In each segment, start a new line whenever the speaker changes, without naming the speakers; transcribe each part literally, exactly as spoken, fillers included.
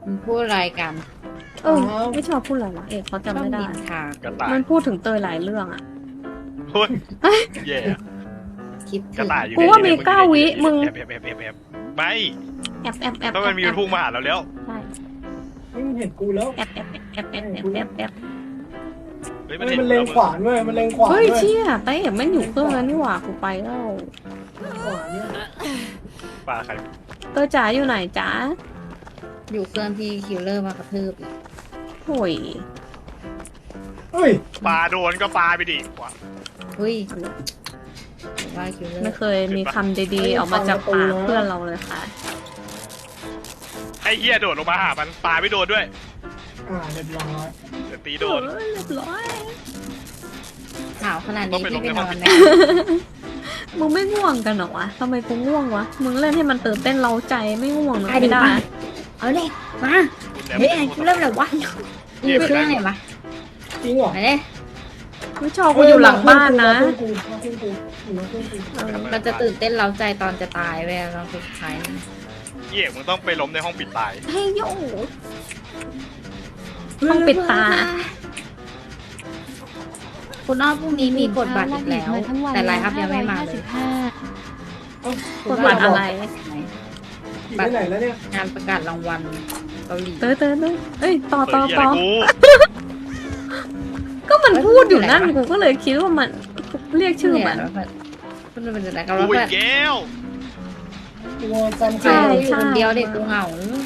มันพูดอะไรกัน
เออไม่ชอบพูดอะไรวะเอกเขาจำไม่ได้
ชอบนินทาก
ระต่าย
มันพูดถึงเตยหลายเรื่องอ่ะ
พูดแย่
คิด
ก
ถึ
ระ
ง
ต่ายอยู่
กูว่ามีเก้าวิมึง
แอบแอบแอบแอบแอบไม่
แอบแอบแอบ
ถ้ามันมีพุ่งมาหาเราแล้ว
ใช่
นี่มันเห็นกูแล้ว
แอบแอบแอบแอบแอบแอบแอบ
เฮ้ยมั
เฮ้
น
ย
เห็น
มันเล็งขวานเว้ยมันเล็งขวาน
เฮ้ย
เว้ย
เชี่ยเต้เอกแม่งอยู่เครื่องนั้นนี่หว่ากูไปแล้ว
ขวานเนี่ย
ปลาใคร
เตยจ๋าอยู่ไหนจ๋า
อยู่เครื่องที่คิลเลอร์มากระทืบอีก
โอ้ย
เฮ้ย
ปลาโดนก็ปลาไปดิวะ
เฮ้ยว่าคิลเลอ
ไม่
ร์
เคยมีคำดีๆออกมาจากปากเพื่อนเราเลยค่ะ
ไอ้เหี้ยโดดลงมาหามันปลาไม่โดนด้วย
อ่าเรียบร้อย
เดี๋ยวตีโดน
เออเรียบร้อย
หนาวขนาด
ต้อ
นี้
งไป
พี่
ลง
ไป
ใน
น
ห้
อ
อง
นไหม
มึงไม่ง่วงกันเหรอวะทำไมกูง่วงวะมึงเล่นให้มันตื่นเต้นเร้าใจไม่ง่วงเหรอไม่ได้
เอาเลยมา
คุณแหลม
เฮ้ยคิลเลอร์เลยวะอยู่เครื่องไหนวะ
จริงเหรอ
ไปเลย
ไม่ชอบกูอยู่หลังบ้านนะ
เฮ้ยมาเครื่องกูมาเครื่องกูมาเครื่องกู
เออ
เราจะตื่นเต้นเร้าใจตอนจะตายเว้ยเราสุดท้ายนะ
เหี้ยมึงต้องไปล้มในห้องปิดตาย
เฮ้ยโยต้องปิดตา
คุณอ้อมพรุ่งนี้มีกดบัตรอีกแล้ว แต่ไลน์อัพยังไม่มาเลย
เอ้าก
ดบัตรอะไร
อยู่ที่ไหนแล้วเนี่ย
งานประกาศรางวัลเกาหลี
เตยเตยเตยเอ้ยต่อ
เปิ
ต่
ด
อ
เหี้ย
ต่อ
อะไรกู
ก็มันพูดอยู่นั่นกูก็เลยคิดว่ามันเรียกชื่อมัน
คุณเป็นอะไรกัน
กู
วะ
อีกแก้ว
ตัวจำ
ใช่
ใคร
อยู่คนเดียวเด็กกูเหงา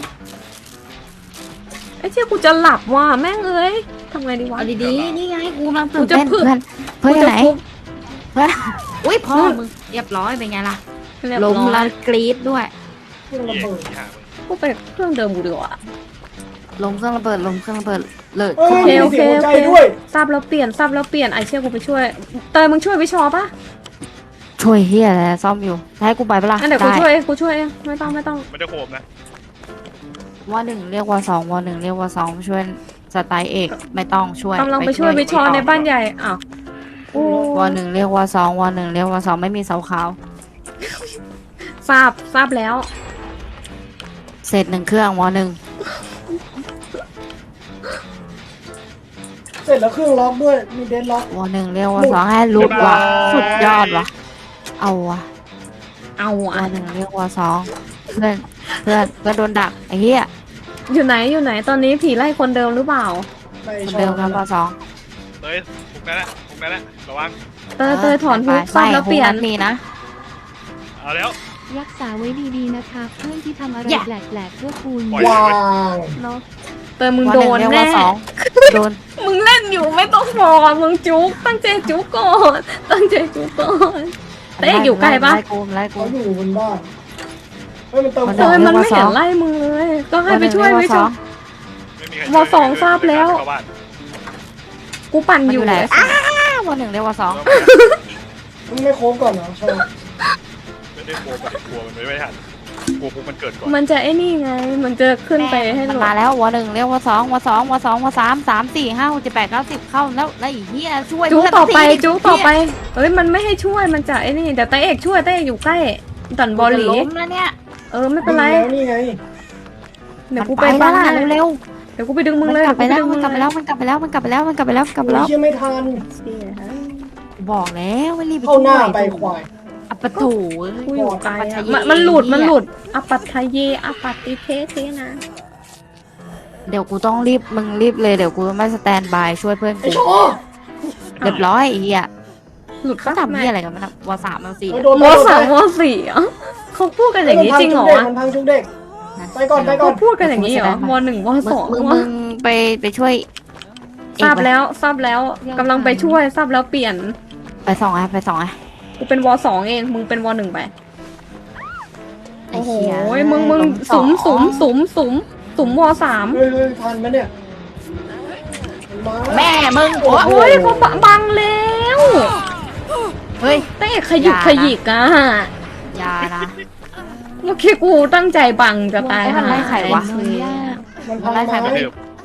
ไอ้เชี่ยกูจะหลับว่ะแม่งเอ้ยทำไงดีวะ
เอาดีๆนี่ไงกูกำลัง
กู
ตื่น
จะ
เต้น
พึ่ง
เพื่อนเพื่อนอยู่ไหน
กูจะ
เพื่อนอุ้ยพ่อมึงเรียบร้อยเป็นไงล่ะ
เรียบ
ล้ม
ร้อ
แล้
ยว
กรี๊ดด้วย
เครื่องระ
เหี้ย
เบิด
ที่หามึง
กูไปเครื่องเดิมกูดีกว่า
ล้มเครื่องระเบิดล้มเครื่องระเบิดเลิก
เอ้ย
โอเค
มี
โอเค
เสียงหัวใจ
โอเค
ด้วย
ทราบแล้วเปลี่ยนทราบแล้วเปลี่ยนไอเชี่ยกูไปช่วย เตยมึงช่วยวิชอปะ
ช่วยเฮียอะไรซ่อมอยู่ให้กูไปปะล่ะ
งั้นเดี๋ยวกู
ได้
ช่วยเองกูช่วยเองไม่ต้องไม่ต้อง
ไม่ได้โคมนะ
ว่าหนึ่งเรียกว่าสองว่าหนึ่งเรียกว่าสองช่วยสไตล์เอกไม่ต้องช่วย
กำลังไปช่วยวิชอในบ้านใหญ่อ้าวโอ้
ว่าหนึ่งเรียกว่าสองว่าหนึ่งเรียกว่าสองไม่มีเสาขาว
ทราบทราบแล้ว
เสร็จหนึ่งเครื่องว่าหนึ่ง
เสร็จแล้วเครื่องล็อกด้วยมีเดนล็อก
ว่าหนึ่งเรียกว่าสองให้ลุกว่ะสุดยอดว่ะเอาว่ะ
เอาอ่ะ
ว่าหนึ่งเรียกว่าสองเพื่อนเพื่อนเพื่อนโดนดักไอ้เหี้ย
อยู่ไหนอยู่ไหนตอนนี้ผีไล่คนเดิมหรือเปล่า
ไป
คน
ชอ
เดิม
บ
กันว่าสอง
เฮ้ยพวกนั้นแหละพวกนั้นแหละระวัง
เตยเตยถอนฮุกทราบแล้วเปลี่ยน
มีนะ
เอาแล้ว
รักษาไว้ดีๆนะคะเพื่อนที่ทำอะไร
อย่า
แปลกๆเพื่อคุณ
ปล่อย
วาง
เนาะเตยมึง
ว่า
โด
หนึ่ง
น
เรียก
แน่
ว่าสองโดน
มึงเล่นอยู่ไม่ต้องบอกอ่ะมึงจุกตั้งใจจุกก่อนตั้งใจจุกก่อนเต้อยู่ไกลปะ
ไล่กูไล่กู
เขาอยู่บนบ้านเฮ้ยมันเติม
มัน
เต
เดิ
ย
น
มันไม่เห็นไล่มึงเลย ก็ให้ไปช่วยวิชอ
ไม่มีใคร
วอสองทราบแล้ว
เข้าบ้าน
กูปั่น
มัน
อ
อยู่ ยู่ไหน
เลย
อ้าววันหนึ่งเรียกว่าสอง
มึงไม่โค้งก่อนเหรอชอบ
ไม่ได้กลัวมันกลัวมันไม่ทันกลัวพวกมันเกิดก่อน
มันจะไอ้นี่ไง มันจะขึ้นไปให้
มัน
หล
มา
บ
แล้ววันหนึ่งเรียกว่าสองวันสองวันสองวันสามสามสี่ห้าหกเจ็ดแปดเก้าสิบเข้าแล้วแล้วไอ้เหี้ยช่วย
จุก
เพื่น
ต่อไป
สิ
จุกต่อไปเอ้ยมันไม่ให้ช่วยมันจะไอ้นี่เดี๋ยวเต้เอกช่วยเต้เอกอยู่ใกล้ดันบอลหลี
จะล้มแล้วเนี่ย
เออไม่เป็นไร
แล้วนี่ไง
เดี๋ยวกู
มัน
ไป
ไป
บ้า
แล้ว
น
ล่ะ
ให้
เร็ว
เดี๋ยวกูไปดึง
ๆ
มึง
มัน
เลย
กลับไปแล้ว
เดี๋ย
มันกลับไปแล้วมันกลับไปแล้วมันกลับไปแล้วมันกลับไปแล้วมันกลับไป
โอ้
แล้
ยว เชื่อไม่ทัน
บอกแล้วว่ารีบ
เข้าหน้าไปควาย
อัปปะถู
กูอยู่ไกลอะมันมันหลุดมันหลุดอปัตทะเยอปัตติเทเทนะ
เดี๋ยวกูต้องรีบมึงรีบเลยเดี๋ยวกูไม่สแตนบายช่วยเพื่อน
ไอ้
กู
ชอ
เรียบร้อยไอ้เหี้ย
หลุด
เขา
ปะ
ทำเหี้ยอะไรกันมันวสามวสี่
เฮ้ยโดน
ม
โดน
สามมสี่อ่ะเขาพูดกันอย่างนี้จริงเหรอวะ
มันพังชุกเด็ก ไปก่อนไปก่
เขาพูดกันอย่างนี้เหรอมหนึ่งม
มึ
ส
ง
อง
มึง
วะ
มึงไปไปช่วย
ทราบแล้วทราบแล้วกำลังไปช่วยทราบแล้วเปลี่ยน
ไปสองไอ้ไปสองไอ้
กูเป็นวสองเองมึงเป็นวหนึ่งไป
ไอ้
โอ้โห
เหี้ย
มึงมึง
ล้
สุม
ส
สุ
อง
มสุมสุมสุมวสาม
เฮ้ยเฮ้ยทันไหมเนี่ยมา
แม่มึงโอ้
โอ้ยเขาบังแล้ว
เฮ้ย
เต้ขยิก
อย่านะ
ขยิกอ่ะ
อยานะ
เมื่อกี้กูตั้งใจบังจะตาย
มันไล่ใครวะ
นอนยาก
มันพัง
ไล่ใคร
ไม้
มา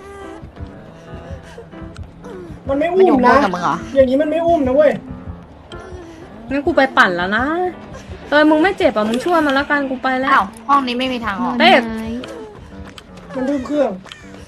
มันไม่
มัน
อุ้
อยู่
ม
บ
นะ
นกับมึงเหรอ
อย่างนี้มันไม่อุ้มนะเว้ย
งั้นกูไปปั่นแล้วนะเตยมึงไม่เจ็บอ่ะมึงช่วยมันแล้วกันกูไปแล้
อ้าว วห้องนี้ไม่มีทางออก
นอน
เต้
ไม้
มันดื้อเครื่อง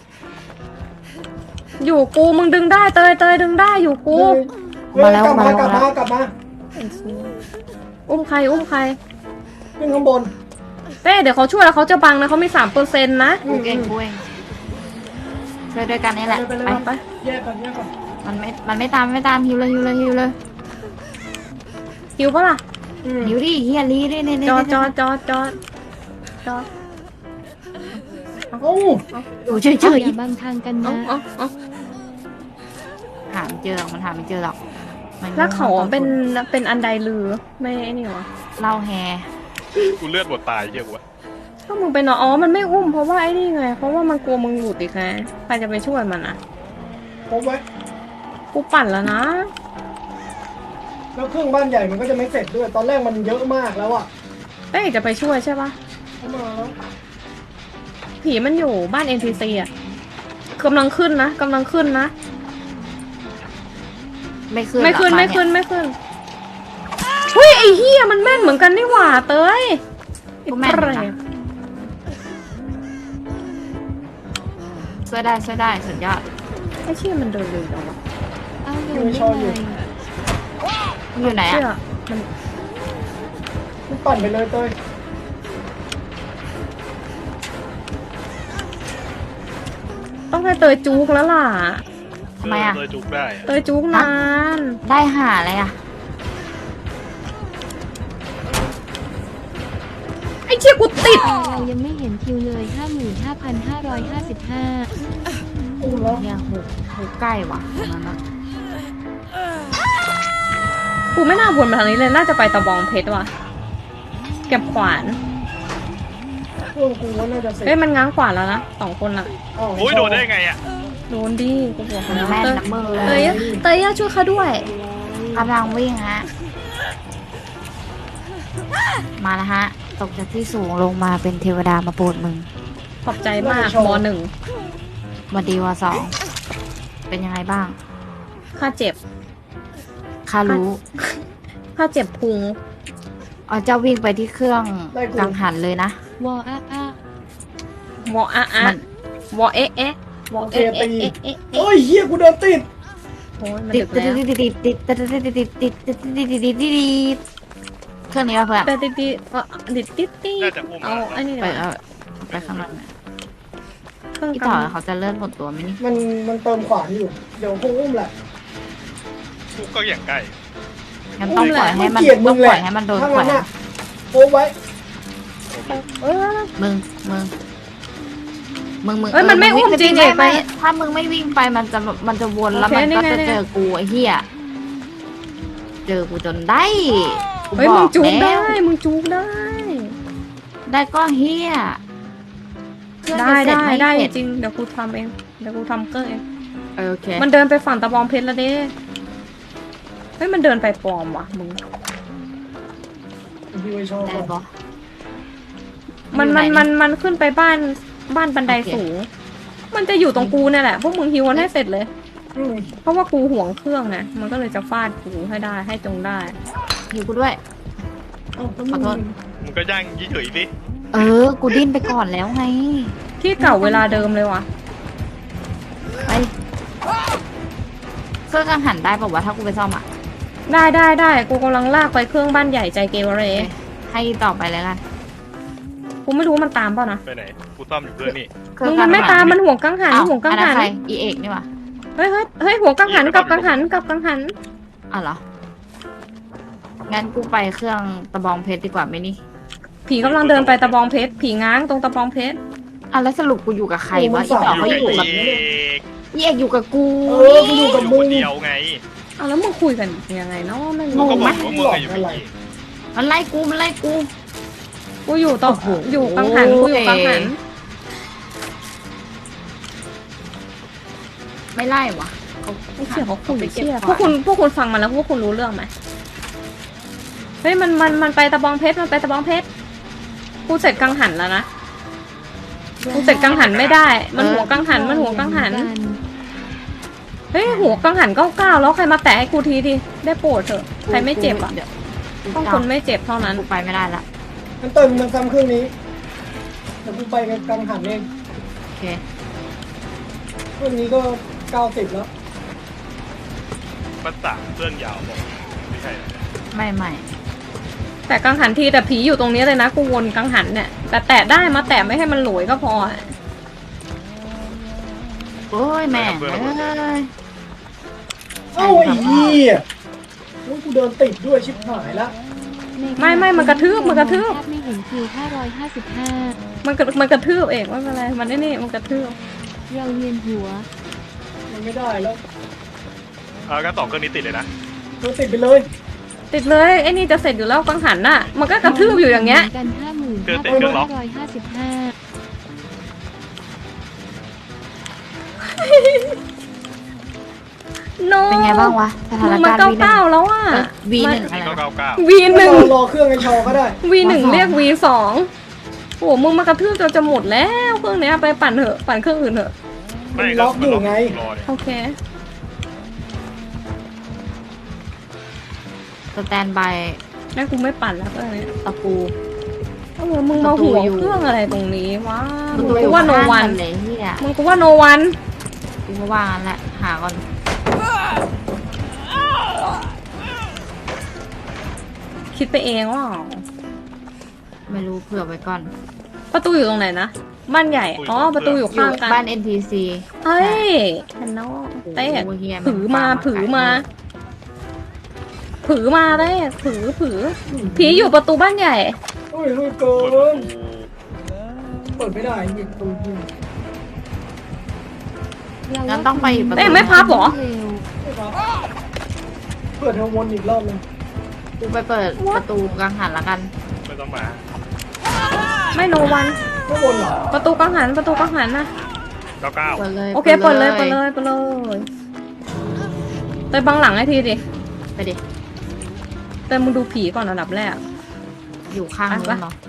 อยู่กูมึงดึงได้เตยเตยดึงได้อยู่กู
เฮ้ยกลับมากลับมากลับมา
อุ้มใครอุ้มใคร
ขึ้นข้างบน
เต้เดี๋ยวเขาช่วยแล้วเขาจะบังนะเขามีสามเปอร์เซ็นต์นะ
กูเองกูเองช่วยด้วยกันนี่แหละ
ไปเลย
ไป
ไปไปแยกกันแยกกัน
มันไม่มันไม่ตามไม่ตามฮิวเลยฮิวเลยฮิวเลย
หิวปะล่ะ
อืม
ฮิวดิเฮียลีดิเนี่ยเนี่ย
จอดจอดจอดจอดจอด
เอ้า
อยู่เฉยเฉย
อย่าบังทางกัน
เอา
นะ
เอาเอา
หาไม่เจอหรอกมันหาไม่เจอหรอกมัน
แล้วเขาเป็นเป็นอันใดลือไม่ไอ้นี่หรอ
เล่าแฮ
กูเลือดหมดตายเหี้ยกูวะ
ถ้ามึงเป็นอ๋อมันไม่อุ้มเพราะว่าไอ้นี่ไงเพราะว่ามันกลัวมึงหลุดอีกไงใครจะไปช่วยมันอ่ะ
พบไว้
กูปั่นแล้วนะ
แล้วเครื่องบ้านใหญ่มันก็จะไม่เสร็จด้วย ตอนแรกมันเยอะมากแล้วอ่ะ
เต้จะไปช่วยใช่ปะ
เข้ามาแล้ว
ผีมันอยู่บ้าน เอ็น พี ซี อ่ะกำลังขึ้นนะกำลังขึ้นนะ
ไม่ขึ้น
ไม่ขึ้น
หรอก
ไม่ขึ้น
บ้า
ไม่ขึ้นเฮ้ยไอ้เหี้ยมันแม่นเหมือนกันนี่หว่าเต้ย
กูแม่นอยู่นะช่วยได้ช่วยได้สุดยอด
ไอ้เชี่ยมันเดินเร็วจังวะ
เอาเดินได้ไง
มึงอยู่ไหน
เชี่ย
อ่ะ
มัน
มันปั่นไปเลยเต้ย
ต้องให้เตยจุกแล้วล่ะ
ทำไมอ่ะ
เลยจุกได้อะ
เตยจุกนาน
ได้หาอะไรอ่ะ
ไอ้เชี่ยกูติด
เรายังไม่เห็นคิวเลย ห้าหมื่นห้าพันห้าร้อยห้าสิบห้า
อุ้มแล้ว
เนี่ยหูหูใกล้ว่ะตรงนั้นอะ
กูไม่น่าวนมาทางนี้เลยน่าจะไปตะบองเพชรว่ะเก็บขวาน
เครื่องกูว่าน่าจะเสร็จ
เฮ้ยมันง้างขวานแล้วนะสองคนละ
อ้าว
โอ้ยโดนได้ไงอ่ะ
โดนดิกูบอก
มัน
แล้ว
แม่น
เตย
นะมือ
เตยเตยช่วยเขาด้วย
กำลังวิ่งฮะ มาแล้วฮะ ตกจากที่สูงลงมาเป็นเทวดามาโปรดมึง
ขอบใจมากมหนึ่ง
มาดีวาสอง เป็นยังไงบ้าง
ค่าเจ็บ
ข้ารู้
ค่าเจ็บพุง
อ๋อเจ้าวิ่งไปที่เครื่องกังหันเลยนะ
วออาอาว
ออะอะ
มัน
วอเอะเอะวอเอะเอะเอะเอะ
โอ้ยเฮียกูเดินติด
โอ้ยมัน
ติด
ดึก
ติด
แล้ว
ติดติดติดติดติดติดติดติดติดติดติดติดติดเครื่องนี้ป่ะเพื่อน
แต่ติดติดเอ่อติดติดติด
น่าจะอุ้ม
เอาอันนี้
ไป
เดี๋ยว
เอาไปข้างนอกนะ
เครื่อง
พี่
ก
ต่อเขาจะเลื่อนหมดตัวไหมนี่
มันมันเติมขวานอยู่ เดี๋ยวคงอุ้มแหละ
กูก็อย่างใกล้
งั้นต้องปล่อยให้มัน
เกลียดมึ
ต้อง
งแห
ปล่
ละ
อยให้มันโดน
ถ้า
แขว
งั้น
น
น่ะโอ้ไว้
ำเออ
มึงมึงมึงมึง
เอ้ยมันไม่อุ้มจริง
ไม่
เอกไป
ไม่ถ้ามึงไม่วิ่งไปมันจะมันจะวนแล้ว
โอเค
มันก็
นี่ไง
จะ
นี่ไง
เจอกูไอ้เหี้ยเจอกูจนได้กู
เฮ้ย
บ
มึ
อง ก
จุก
แล้
ได้
ว
มึงจุกได้
ได้ก็เหี้ยเครื่อง
ได้
จะเสร็จ
ได้
ม่
ได้
เสร็จ
จริงเดี๋ยวกูทำเองเดี๋ยวกูทำเกอร์เอง
เออโอเค
มันเดินไปฝั่งตะบองเพชรแล้วเด้เฮ้ยมันเดินไปปลอมว่ะมึง
พี่ไว้ชอบ
ได้ปะ
มัน
อยู่
มัน
ไห
มันมันขึ้นไปบ้านบ้านบันได
โอเค
สูง มันจะอยู่ตรงกูเนี่ยแหละพวกมึงฮิวมันให้เสร็จเลย
อืม
เพราะว่ากูห่วงเครื่องนะมันก็เลยจะฟาดกูให้ได้ให้จงได้
อยู่กูด้วย
เอ้าแล้ว
ขอโท
มึ
ษ
ง
มึงก็ย่างยี่เฉยๆสิ
เออ กูดิ้นไปก่อนแล้วไง
ที่เก่าเวลาเดิมเลยว่ะ
ไปเครื่องกังหันได้ป่าวะถ้ากูไปซ่อมอ่ะ
ได้ได้ได้กูกำลังลากไปเครื่องบ้านใหญ่ใจเกเร
โอเคให้ต่อไปเลยกัน
กูไม่รู้มันตามเปล่านะ
ไปไหน กูซ่อมอยู่เพื่อนนี่
เครื่
มึ
อง
ง
กั
มั
ง
น
หั
ไม่ตามมันห่วงกังหัน
อ้าว
ห่วงกัง
อันนั้
หั
น
น
ใครอีเอกนี่วะ
เฮ้ยเฮ้ยเฮ้ยห่วงกังหันกับกังหันกับกังหัน
อ้าวเหรอ งั้นกูไปเครื่องตะบองเพชรดีกว่าไหมนี่
ผีกำลังเดินไปตะบองเพชรผีง้างตรงตะบองเพชร
อ่ะแล้วสรุปกูอยู่กับใครวะอีต่อเขาอยู่กับ
เอก
อีเอกอยู่กับกู
เออกูอยู่กับ
อยู่
มึ
ค
ง
นเดียวไง
เอาแล้วมึงคุยกันยังไงเนาะไม่
กู
รู้
ก็บอกว่ามึงอะอยู่กับเอก
มันไล่กูมันไล่กู
กูอยู่ต่อ
โอ้โห
อยู่กังหันกูอยู่กังหัน
ไม่ไล่วะ
ไอ้เชี่ยเขาคุย
ไปเก็บ
เชี่ย
ขวาน
พวกคุณพวกคุณฟังมาแล้วพวกคุณรู้เรื่องไหมเฮ้ยมันมันมันไปตะบองเพชรมันไปตะบองเพชรกูเสร็จกังหันแล้วนะกูเสร็จกังหันไม่ได้ มันหัวกังหันมันหัวกังหัน เฮ้ยหัวกังหันเก้าเก้าแล้วใครมาแตะให้กูทีดิได้โปรดเถอะใครไม่เจ็บอ่ะ
ดี๋ยว
ต้องคนไม่เจ็บเท่านั้น
กูไปไม่ได้ละ
มันเติมมันซ้ำเครื่องนี้เดี๋ยวกูไปกับกังหันเอง
เค
เรื่องนี้ก็เก้าสิบแล้ว
ภาษาเครื่องยาวบอกไม่ใช่นะ
ไม่ไม่
แต่กังหันทีแต่ผีอยู่ตรงนี้เลยนะกูวนกังหันเนี่ยแต่แตะได้มาแตะไม่ให้มันหลวยก็พออะ
โอ้ยแม่งเอ้ย
เอ้าไอ้เหี้ยโอ้ยกูเดินติดด้วยชิบหายละ
ไม่ไม่มันกระทืบมันกระทืบ
ภาพไม่เห็นคิวห้าร้อยห้าสิบห้า
มันกระมันกระทืบเองไม่เป็นไรมันนี่นี่มันกระทืบ
เราเวียนหัว
มันไม่ได้แล้ว
เออก็สองเครื่องนี้ติดเลยนะ
เดินติดไปเลย
ติดเลยไอ้นี่จะเสร็จอยู่แล้วกังหันน่ะมันก็กระทืบอยู่อย่างเงี้ย
กันห้าหมื่น
เครื่
ห้า
องติดเครื่องล็อก
ร้อยห้าสิบห้า
โน
เป็นไงบ้างวะสถาน
มัน
การณ์
เก้า
วีหนึ่ง
เก้าแล้วอ่ะ
วีหนึ่งอะไร
นี่ก็
นะ
เก้าเก้า
วีห
ไม่
นึ่ง
ต้องรอเครื่องไอชอก็ได้
วีหนึ่ง
สอง
เรียกวีสองโอ้โหมึงมากระทืบจนจะหมดแล้วเครื่องเนี้ยไปปั่นเถอะปั่นเครื่องอื่นเถอะ
ไม่
ล็อกอยู่ไง
รอเนี่ย
โอเค
สแตนบาย
งั้นกูไม่ปั่นแล้วเครื่องนี้
ตะปู
เออมึงมาหัว
ประตูอยู่
เครื่องอะไรตรงนี้วะ
ประ
มึง
ตูอ
กู
ยู่
ว่าโน
ข้าง
วัน
กันเลยเฮีย
มึงกูว่าโนวัน
กูก็ว่างั้นแหละหาก่อน
คิดไปเองว่า
ไม่รู้เผื่อไว้ก่อน
ประตูอยู่ตรงไหนนะบ้านใหญ่อ๋อประตูอยู่
อยู่
ข้างกัน
บ้าน เอ็น ที ซี
เฮ้ยเห็นแล้วเต้
โอ้เฮีย
ผือมาผือมา ผือมาเต้ผือผือผีอยู่ประตูบ้านใหญ่
โอ้ยเฮ้ยเกิ
เปิดประ
น
ตู
เปิดไม่ได้หยิบตูดยิง
งั้นต้องไปอีกประตู
เต้ไม่พับเหรอ
เร็ว
ไม่ครับเปิดเทอร์โมนอีกรอบนึง
กูไปเปิดประตูกังหันละกัน
ไม่ต้องมา
ไม่โนวัน
ข้างบนเหรอ
ประตูกังหันประตูกังหันนะ
เก้าเก้า
เปิดเลย
โอเคเปิดเลยเปิดเลยเปิดเลยเต้บังหลังให้ทีดิ
ไปดิ
เต้มึงดูผีก่อนอันดับแรก
อยู่ข้าง
ไป
นู้
ปะ
นเนาะ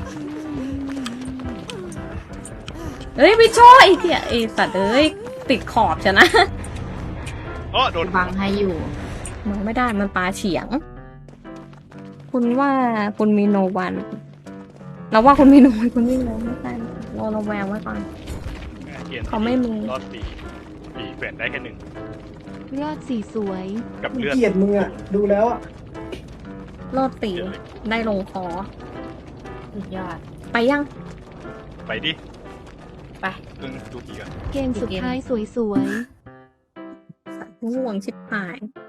เฮ้ยพี่โชไอ้เหี้ยไอ้สัตว์เอ้ยติดขอบชนะ
โอ้โดน
บังให้อยู่
มันไม่ได้มันปลาเฉียง คุณว่าคุณมีโนวันเราว่าคุณมีโนวันคุณไม่มีโนไม่ใช่เราเราแวงไว้ก่อน
เกียรติ
เขาไม่มี
รอดสี่สี่แฝนได้แค่หนึ่ง
รอดสีสวย
กับ
มัน
เลือด
เกลียดมึงอ่ะ ดูแล้วอ่ะ
รอดตีได้ลงคอ
สุดยอด
ไปยัง
ไปดิ
ไป
เพิ่งดูผีกัน
เกมสุดท้ายสวยๆ
ง่วงชิบหาย